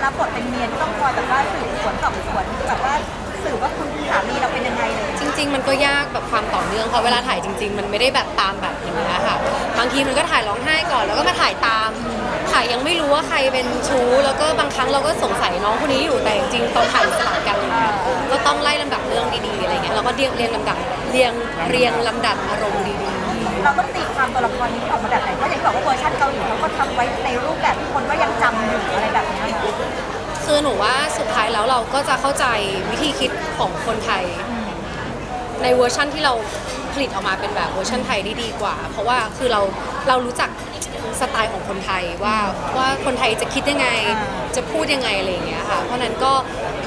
รับบทเป็นเมียที่ต้องคอยแบบว่าสืบสวนสอบสวนแบบว่าสืบว่าคุณสามีเราเป็นยังไงเลยจริงๆมันก็ยากแบบความต่อเนื่องเพราะเวลาถ่ายจริงๆมันไม่ได้แบบตามแบบอย่างนี้ยค่ะบางทีมันก็ถ่ายร้องไห้ก่อนแล้วก็มาถ่ายตามถ่ายยังไม่รู้ว่าใครเป็นชู้แล้วก็บางครั้งเราก็สงสัยน้องคนนี้อยู่แต่จริงๆตอนถ่ายสลับกันอะไรเงี้ยก็ต้องไล่ลำดับเรื่องดีๆอะไรเงี้ยเราก็เรียงลำดับเรียงลำดับอารมณ์ดีๆเราต้องตีความตัวละครนี้ออกมาแบบไหนเพราะอย่างที่บอกว่าเวอร์ชันเกาหลีเขาก็ทำไว้ในรูปแบบที่คนก็ยังจำอยู่อะไรแบบนี้ค่ะคือหนูว่าสุดท้ายแล้วเราก็จะเข้าใจวิธีคิดของคนไทยในเวอร์ชั่นที่เราผลิตออกมาเป็นแบบเวอร์ชันไทยได้ดีกว่าเพราะว่าคือเรารู้จักสไตล์ของคนไทยว่าคนไทยจะคิดยังไงจะพูดยังไงอะไรอย่างเงี้ยค่ะเพราะนั้นก็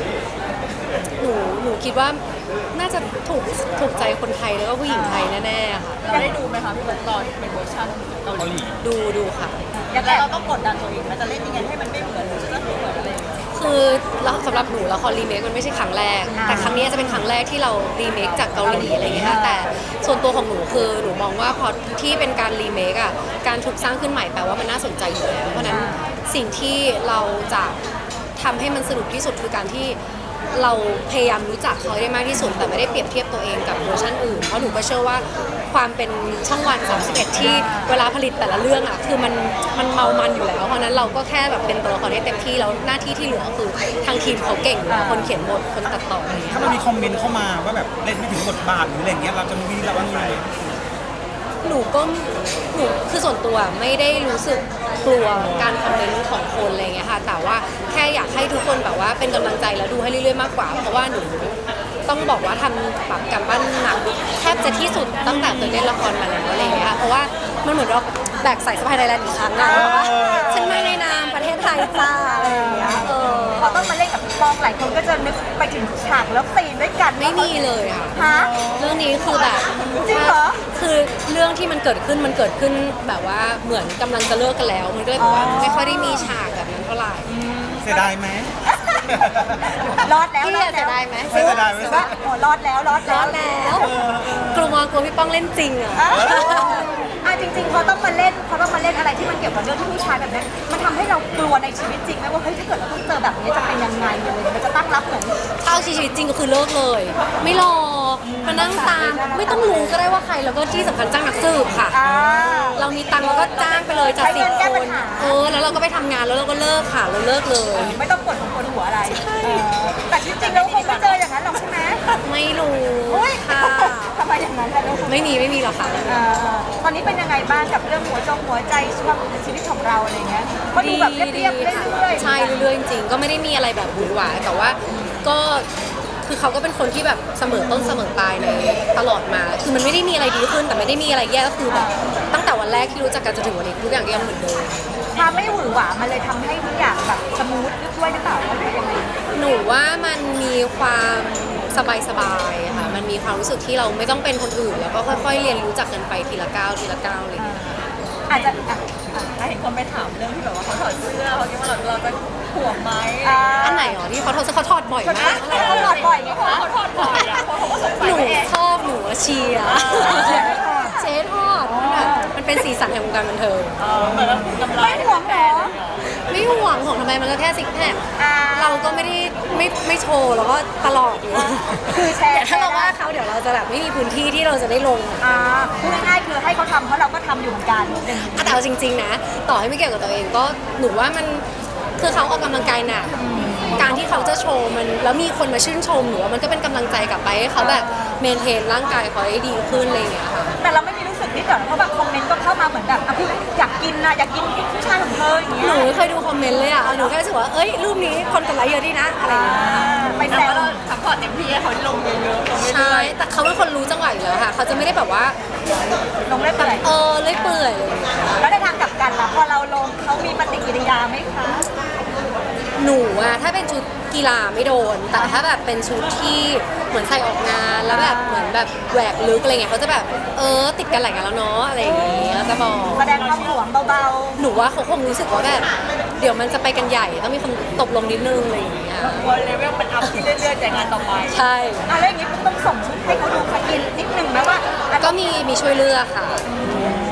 หนูคิดว่าน่าจะถูกใจคนไทยแล้วก็ผู้หญิงไทยแน่ๆค่ะเราได้ดูไหมคะพี่เบิร์ตตอนเป็นเวอร์ชันเกาหลีดูค่ะแล้วเราต้องกดดันตัวเองมันจะเล่นยังไงให้มันไม่เหมือนหรือจะต้องเหมือนอะไรอย่างเงี้ยคือสำหรับหนูละครรีเมคมันไม่ใช่ครั้งแรกแต่ครั้งนี้จะเป็นครั้งแรกที่เรารีเมคจากเกาหลีอะไรอย่างเงี้ยค่ะแต่ส่วนตัวของหนูคือหนูมองว่าพอที่เป็นการรีเมคอ่ะการถูกสร้างขึ้นใหม่แปลว่ามันน่าสนใจอยู่แล้วเพราะนั้นสิ่งที่เราจะทำให้มันสนุกที่สุดคือการที่เราพยายามรู้จักเขาได้มากที่สุดแต่ไม่ได้เปรียบเทียบตัวเองกับเวอร์ชันอื่นเพราะหนูก็เชื่อว่าความเป็นช่องวัน31ที่เวลาผลิตแต่ละเรื่องอ่ะคือมันเมามันอยู่แล้วเพราะนั้นเราก็แค่แบบเป็นตัวละครให้เต็มที่แล้วหน้าที่ที่เหลือคือทางทีมเขาเก่งอยู่แล้วคนเขียนบทคนตัดต่อถ้ามันมีคอมเมนต์เข้ามาว่าแบบเล่นไม่ถึงบทบาทหรืออะไรเงี้ยเราจะมีระวังไงหนูคือส่วนตัวไม่ได้รู้สึกกลัวการคอมเมนต์ของคนอะไรเงี้ยค่ะแต่ว่าแค่อยากให้ทุกคนแบบว่าเป็นกำลังใจแล้วดูให้เรื่อยๆมากกว่าเพราะว่าหนูต้องบอกว่าทำแบบการบ้านหนักแทบจะที่สุดตั้งแต่เคยเล่นละครมาแล้วอะไรเงี้ยเพราะว่ามันเหมือนเราแบกสายสะพายไทยแลนด์อีกครั้งอะว่าฉันมาในนามประเทศไทยจ้าอะไรอย่างเงี้ยพอต้องมาเล่นกับพี่ป้องหลายคนก็จะนึกไปถึงฉากแล้วซีนด้วยกันไม่มีเลยค่ะฮะเรื่องนี้คือแบบจริงเหรอคือเรื่องที่มันเกิดขึ้นแบบว่าเหมือนกำลังจะเลิกกันแล้วมันก็เลยแบบว่าไม่ค่อยได้มีฉากแบบนั้นเท่าไหร่เสียดายไหมรอดแล้วพี่เสียดายไหมเสียดายไหมว่าโอ้รอดแล้วกลัวพี่ป้องเล่นจริงอ่ะจริงๆเขาต้องมาเล่นอะไรที่มันเกี่ยวกับเรื่องที่ผู้ชายแบบนี้มันทำให้เรากลัวในชีวิตจริงไหมว่าเฮ้ยถ้าเกิดเราต้องเจอแบบนี้จะเป็นยังไงอะไรมันจะตั้งรับเหมือนถ้าเอาชีวิตจริงก็คือเลิกเลยไม่รอมานั่งตามไม่ต้องรู้ก็ได้ว่าใครแล้วก็ที่สำคัญจ้างนักสืบค่ะเรามีตังค์เราก็จ้างไปเลยจาก10 คนแล้วเราก็ไปทำงานแล้วเราก็เลิกค่ะเราเลิกเลยไม่ต้องปวดหัวอะไรแต่จริงๆแล้วคงไม่เจออย่างนั้นหรอกใช่ไหมไม่รู้ค่ะทำไมอย่างนั้นล่ะลูกไม่มีหรอกค่ะตอนนี้เป็นยังไงบ้างกับเรื่องหัวใจชีวิตของเราอะไรเงี้ยก็ดูแบบเรียบๆเรื่อยๆใช่เรื่อยๆจริงๆก็ไม่ได้มีอะไรแบบหวือหวาแต่ว่าก็คือเขาก็เป็นคนที่แบบเสมอต้นเสมอปลายในตลอดมาคือมันไม่ได้มีอะไรดีขึ้นแต่ไม่ได้มีอะไรแย่ก็คือแบบตั้งแต่วันแรกที่รู้จักกันจนถึงวันนี้ทุกอย่างก็ยังเหมือนเดิมความไม่หวือหวามันเลยทำให้ทุกอย่างแบบสมูทด้วยหรือเปล่าหนูว่ามันมีความสบายๆค่ะมันมีความรู้สึกที่เราไม่ต้องเป็นคนอื่นแล้วก็ค่อยๆเรียนรู้จักกันไปทีละก้าวอะไรอย่างเงี้ยอาจจะเห็นคนไปถามเรื่องที่แบบว่าเขาถอดเสื้อเขาคิดว่าเราจะห่วงไหมอันไหนอ๋อที่เขาถอดบ่อยมากเขาถอดบ่อยไงคะเขาถอดบ่อยอ่ะหนูชอบหนูเชียร์เจ๊ทอดมันเป็นสีสันแห่งวงการบันเทิงเหมือนกำไรไม่ห่วงเหรอไม่ห่วงของทำไมมันก็แค่ซิกแพคเราก็ไม่ได้ไม่โชว์แล้วก็ตลอดอยู่คือแชร์ถ้าเราว่าเขาเดี๋ยวเราจะแบบไม่มีพื้นที่ที่เราจะได้ลงพูดง่ายๆคือให้เขาทำเพราะเราก็ทำอยู่เหมือนกันแต่เอาจริงๆนะต่อให้ไม่เกี่ยวกับตัวเองก็หนูว่ามันคือเขาออกกำลังกายหนักการที่เขาจะโชว์มันแล้วมีคนมาชื่นชมหนูว่ามันก็เป็นกำลังใจกลับไปให้เขาแบบเมนเทนร่างกายเขาให้ดีขึ้นอะไรอย่างเงี้ยค่ะแต่เราไม่มีรู้สึกนิดหน่อยเพราะแบบคอมเมนต์ก็เข้ามาเหมือนแบบพี่อยากกินผู้ชายของเธออย่างเงี้ยหนูเคยดูคอมเมนต์เลยอ่ะหนูแค่รู้สึกว่าเอ้ยรูปนี้คนกดไลค์เยอะดีนะอะไรอย่างเงี้ยไปแซวซัพพอร์ตเต็มที่ให้เขาลงเยอะๆใช่แต่เขาเป็นคนรู้จังหวะอยู่แล้วค่ะเขาจะไม่ได้แบบว่าลงเล่อยเปื่อยเล่อยเปื่อยแล้วในทางกลับกันล่ะพอเราลงเขามีปฏิกิริยาไหมคะหนูอะถ้าเป็นชุดกีฬาไม่โดนแต่ถ้าแบบเป็นชุดที่เหมือนใส่ออกงานแล้วแบบเหมือนแบบแหวกลึกอะไรเงี้ยเขาจะแบบติดกันหลายงานแล้วเนาะอะไรอย่างเงี้ยจะบอกแสดงความหวงเบาๆหนูว่าเขาคงรู้สึกว่าแบบเดี๋ยวมันจะไปกันใหญ่ต้องมีคนตบลงนิดนึงอะไรอย่างเงี้ยพอเลเวลมันอัพที่เรื่อยๆแต่งานต่อไปใช่อะไรอย่างงี้ต้องส่งชุดให้เขาดูสกินนิดนึงไหมว่าก็มีช่วยเลือกค่ะ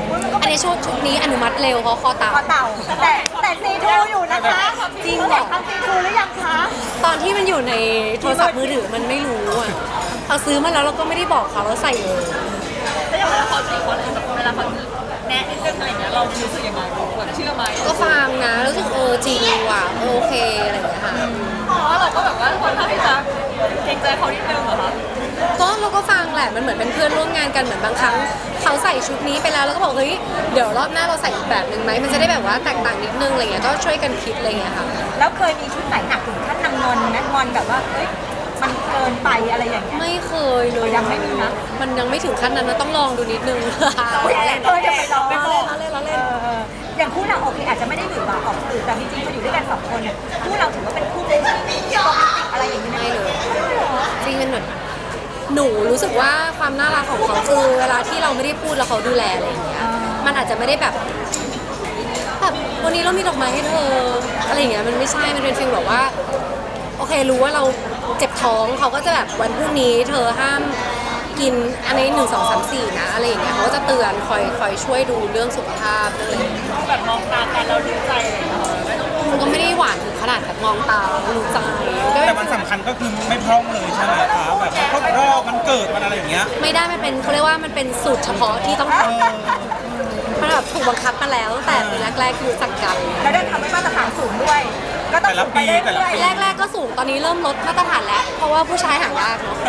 อันนี้ชุดนี้อนุมัติเร็วเพราะคอเต่าคอเต่าแต่ซีทูอยู่นะคะจริงเหรอทำซีทูหรือยังคะตอนที่มันอยู่ในโทรศัพท์มือถือมันไม่รู้อ่ะเราซื้อมาแล้วเราก็ไม่ได้บอกเขาเราใส่เลยแล้วอย่างเวลาเขาจีบคนอื่นแบบเวลาเขาแนะนิดนึงอะไรอย่างเงี้ยเรารู้สึกยังไงแบบเชื่อไหมก็ฟังนะรู้สึกจริงว่ะโอเคอะไรอย่างเงี้ยค่ะเพราะว่าเราก็แบบว่าคนข้างที่จะเกรงใจเขานิดนึงเหรอคะก็เราก็ฟังแหละมันเหมือนเป็นเพื่อนร่วมงานกันเหมือนบางครั้งเขาใส่ชุดนี้ไปแล้วแล้วก็บอกเฮ้ยเดี๋ยวรอบหน้าเราใส่อีกแบบหนึ่งไหมมันจะได้แบบว่าแตกต่างนิดนึงอะไรเงี้ยก็ช่วยกันคิดอะไรเงี้ยค่ะแล้วเคยมีชุดไหนหนักถึงขั้นนางงอนนะงอนแบบว่าเฮ้ยมันเกินไปอะไรอย่างเงี้ยไม่เคยเลยยังไม่มีนะมันยังไม่ถึงขั้นนั้นนะต้องลองดูนิดนึงจะไปลองเราเล่นเราเล่นอย่างคู่เราโอเคอาจจะไม่ได้หวือหวาออกสื่อแต่จริงๆพออยู่ด้วยกันสองคนเนี่ยคู่เราถือว่าเป็นคู่เป็นโรแมนติกอะไรอย่างนี้ไหมไม่เลยจริงเป็นเหมือนหนูรู้สึกว่าความน่ารักของเขาคือเวลาที่เราไม่ได้พูดแล้วเขาดูแลอะไรอย่างเงี้ยมันอาจจะไม่ได้แบบวันนี้เรามีดอกไม้ให้เธออะไรอย่างเงี้ยมันไม่ใช่มันเป็นฟีลแบบว่าโอเครู้ว่าเราเจ็บท้องเขาก็จะแบบวันพรุ่งนี้เธอห้ามกินอันนี้1 2 3 4นะอะไรอย่างเงี้ยเขาก็จะเตือนคอยช่วยดูเรื่องสุขภาพเรื่องอะไรอย่างเงี้ยแบบมองตากันเรารู้ใจอะไรอย่างเงี้ยไม่ต้องมันก็ไม่ได้หวานถึงขนาดแบบมองตารู้ใจก็แต่มันสำคัญก็คือไม่พร่องเลยใช่ไหมคะแบบครบรอบมันเกิดมันอะไรอย่างเงี้ยไม่ได้มันเป็นเขาเรียกว่ามันเป็นสูตรเฉพาะที่ต้องทำมันแบบถูกบังคับมาแล้วตั้งแต่ปีแรกๆคือรู้จักกันแล้วได้ทำให้มาตรฐานสูงด้วย ก็ต้องสูงไปเรื่อยๆแรกๆก็สูงตอนนี้เริ่มลดมาตรฐานแล้ว เพราะว่าผู้ชายหายากเนาะ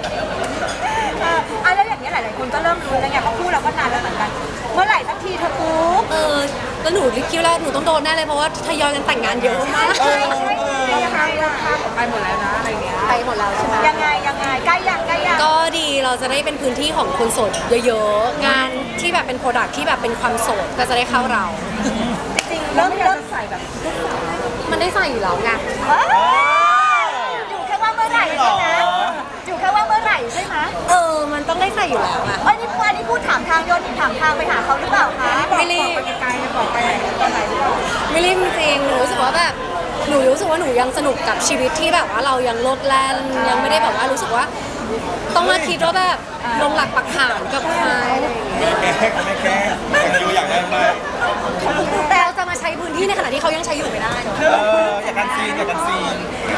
แล้วอย่างนี้ยหลายๆคนก็เริ่มรู้แล้วไงเพราะคู่เราก็นานแล้วเหมือนกัน เมื่อไหร่สักทีเธอปุ๊บแล้วหนูคิดว่าหนูต้องโดนแน่เลยเพราะว่าทยอยกันแต่งงานเยอะมากใช่ยังไงล่ะคะไปหมดแล้วนะอะไรอย่างเงี้ยไปหมดแล้วใช่ไหมยังไงใกล้ยังก็ดีเราจะได้เป็นพื้นที่ของคนโสดเยอะๆงานที่แบบเป็นโปรดักที่แบบเป็นความโสดก็จะได้เข้าเราจริงๆเริ่มใส่แบบมันได้ใส่อยู่แล้วไงอยู่แค่ว่าเมื่อไหร่ใช่ไหมอยู่แค่ว่าเมื่อไหร่ใช่ไหมมันต้องได้ใส่อยู่แล้วอะนี่พูดถามทางโยนถามทางไปหาเขาหรือเปล่าคะไม่รีบไกลๆบอกไปไหนตอนไหนหรือเปล่าไม่รีบจริงๆหนูรู้สึกว่าแบบหนูรู้สึกว่าหนูยังสนุกกับชีวิตที่แบบว่าเรายังโลดแล่นยังไม่ได้แบบว่ารู้สึกว่า ต้องมาคิดว่าแบบลงหลักปักฐานกับใครอะไรอย่างเงี้ยไม่แค่ไม่รู้อยากได้ไหมแต่เราจะมาใช้พื้นที่ในขณะที่เขายังใช้อยู่ไม่ได้เนอะอยากกันซีนอยากกันซีน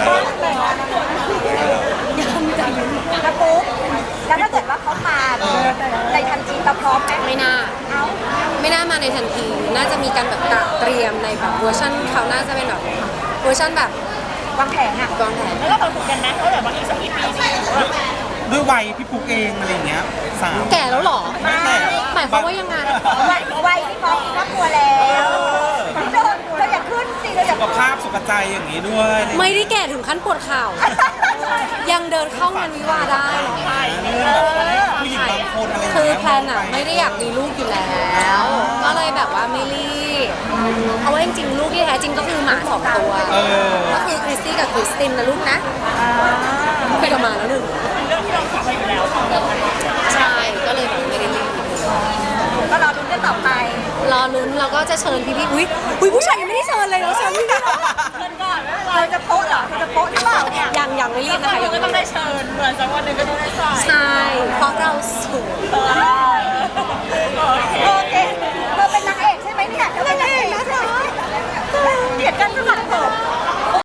แล้วปุ๊บแล้วถ้าเกิดว่าเขามาในทันทีเราพร้อมไหมไม่น่าเอาไม่น่ามาในทันที น่าจะมีการแบบเตรียมในแบบเวอร์ชันเขาน่าจะเป็นแบบเวอร์ชันแบบวางแผนอ่ะวางแผนแล้วเราคุยกันนะว่าแบบว่าอีกสักกี่ปีนี่ด้วยวัยพี่ปุ๊กเองอะไรอย่างเงี้ยสาวแก่แล้วเหรอไม่แก่หมายความว่ายังไงวัยที่พร้อมมีครอบครัวแล้วเธออย่าขึ้นสิเธออย่าสุขภาพสุขใจอย่างนี้ด้วยไม่ได้แก่ถึงขั้นปวดเข่ายังเดินเข้างานวิวาห์ได้ผู้หญิงบางคนอะไรอย่างคือเงี้ยแพลนอะไม่ได้อยากมีลูกอยู่แล้ว ก็เลยแบบว่าไม่รีบเพราะว่าจริงๆลูกที่แท้จริงก็คือหมา2 ตัว ก็คือคริสตี้กับคริสตินนะลูกนะไปกับหมาแล้วหนึ่งเรื่องที่เราคุยไปแล้วใช่ก็เลยแบบไม่ได้รีบก็รอดูกันต่อไปรอลุ้นเราก็จะเชิญพี่ๆอุ้ยผู้ชายยังไม่ได้เชิญเลยเราเชิญพี่ๆเชิญก่อนไม่เป็นไรเราจะโป๊ะเหรอเธอจะโป๊ะหรือเปล่าเนี่ยยังไม่รีบนะคะเราก็ต้องได้เชิญเหมือนสักวันหนึ่งก็ต้องได้ใส่ใช่เพราะเราสวยโอเคเธอเป็นนางเอกใช่ไหมเนี่ยเธอเป็นนางเอกนะคะเกลียดกันสลัดผม